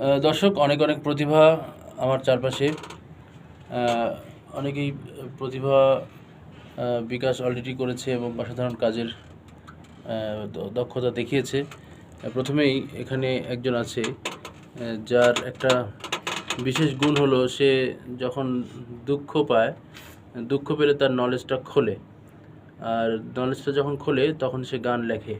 দর্শক, অনেক অনেক প্রতিভা আমার চারপাশে। অনেকেই প্রতিভা বিকাশ অলরেডি করেছে এবং অসাধারণ কাজের দক্ষতা দেখিয়েছে। প্রথমেই এখানে একজন আছে যার একটা বিশেষ গুণ হলো সে যখন দুঃখ পায়, দুঃখ পেলে তার নলেজটা খোলে, আর নলেজটা যখন খোলে তখন সে গান লেখে,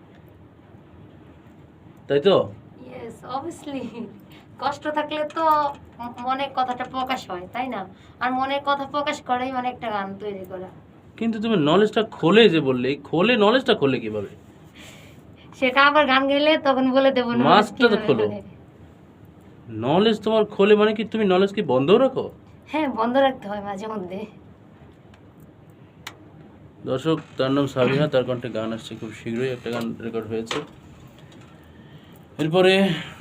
তাই তো? Yes, obviously. কষ্ট থাকলে তো মনের কথাটা প্রকাশ হয়, তাই না? আর মনের কথা প্রকাশ করেই মানে একটা গান তৈরি করা। কিন্তু তুমি নলেজটা খোলে যে বললে, খোলে নলেজটা খোলে কিভাবে? সেটা আবার গান গাইলে তখন বলে দেবো মাছটা তো খোলো। নলেজ তোমার খোলে মানে কি তুমি নলেজ কি বন্ধ রাখো? হ্যাঁ, বন্ধ রাখতে হয় মাঝে মধ্যে। দর্শক, তার নাম সাবিহা, তার কণ্ঠে গান আসছে, খুব শীঘ্রই একটা গান রেকর্ড হয়েছে। এরপরে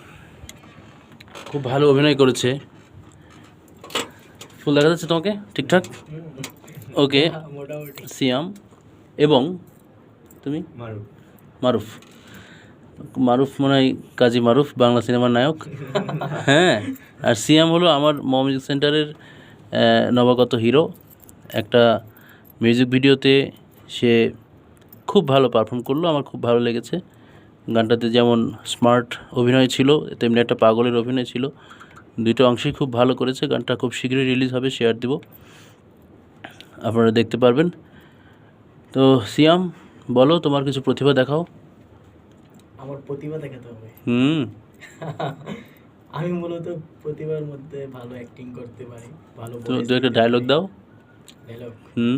খুব ভালো অভিনয় করেছে। ফুল দেখা যাচ্ছে তোমাকে ঠিকঠাক? ওকে, সিয়াম এবং তুমি মারুফ। মারুফ মনে হয় কাজী মারুফ, বাংলা সিনেমার নায়ক। হ্যাঁ, আর সিয়াম হলো আমার মিউজিক সেন্টারের নবাগত হিরো। একটা মিউজিক ভিডিওতে সে খুব ভালো পারফর্ম করলো, আমার খুব ভালো লেগেছে। গানটাতে যেমন স্মার্ট অভিনয় ছিল, তেমনি একটা পাগলের অভিনয় ছিল। দুটো অংশেই খুব ভালো করেছে। গানটা খুব শীঘ্রই রিলিজ হবে, শেয়ার দিব, আপনারা দেখতে পারবেন। তো সিয়াম, বলো, তোমার কিছু প্রতিভা দেখাও। আমার প্রতিভা দেখাতে হবে? আমি মূলত প্রতিভার মধ্যে ভালো অ্যাক্টিং করতে পারি, ভালো তো দু একটা ডায়লগ দাও। ডায়লগ?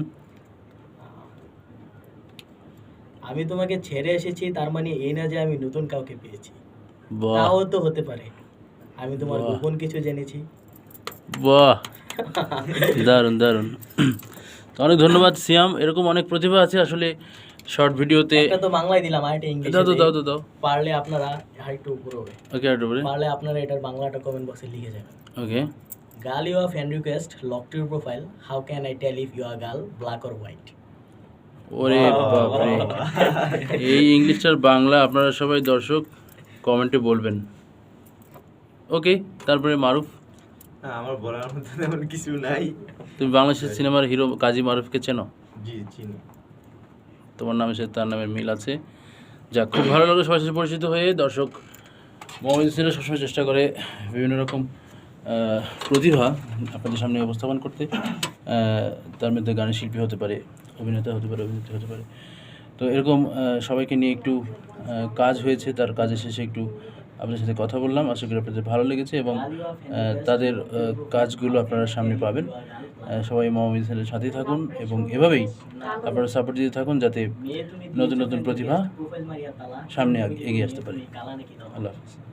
আমি তোমাকে ছেড়ে এসেছি, তার মানে এই না যে আমি নতুন কাউকে পেয়েছি। তাও তো হতে পারে আমি তোমার গোপন কিছু জেনেছি। বাহ, দারুণ দারুণ। তো অনেক ধন্যবাদ সিয়াম। এরকম অনেক প্রতিভা আছে আসলে শর্ট ভিডিওতে। একটা তো বাংলায় দিলাম, আরেকটা ইংলিশে দাও দাও দাও দাও। পারলে আপনারা আরেকটু উপরে হবে। ওকে, আরেকটু উপরে। পারলে আপনারা এটার বাংলাটা কমেন্ট বক্সে লিখে যাবেন। Okay. Girl, you fan request lock to your profile, how can I tell if you are girl, black or white? ওরে বাপরে, এই ইংলিশটার বাংলা আপনারা সবাই দর্শক কমেন্টে বলবেন। ওকে, তারপরে মারুফ। আমার বলার মতো তেমন কিছু নাই। তুমি বাংলাদেশের সিনেমার হিরো কাজী মারুফকে চেনো? জি, চিনি। তোমার নামের সাথে তার নামের মিল আছে। যাক, খুব ভালো লাগলো সবার সাথে পরিচিত হয়ে। দর্শক, মোহাম্মদ হোসেন সবসময় চেষ্টা করে বিভিন্ন রকম প্রতিভা আপনাদের সামনে উপস্থাপন করতে। তার মধ্যে গানের শিল্পী হতে পারে, অভিনেতা হতে পারে, অভিনেত্রী হতে পারে। তো এরকম সবাইকে নিয়ে একটু কাজ হয়েছে, তার কাজের শেষে একটু আপনাদের সাথে কথা বললাম। আশা করি আপনাদের ভালো লেগেছে এবং তাদের কাজগুলো আপনারা সামনে পাবেন। সবাই মোহাম্মদ হোসেনের সাথেই থাকুন এবং এভাবেই আপনারা সাপোর্ট দিতে থাকুন যাতে নতুন নতুন প্রতিভা সামনে এগিয়ে আসতে পারে। আল্লাহ হাফিজ।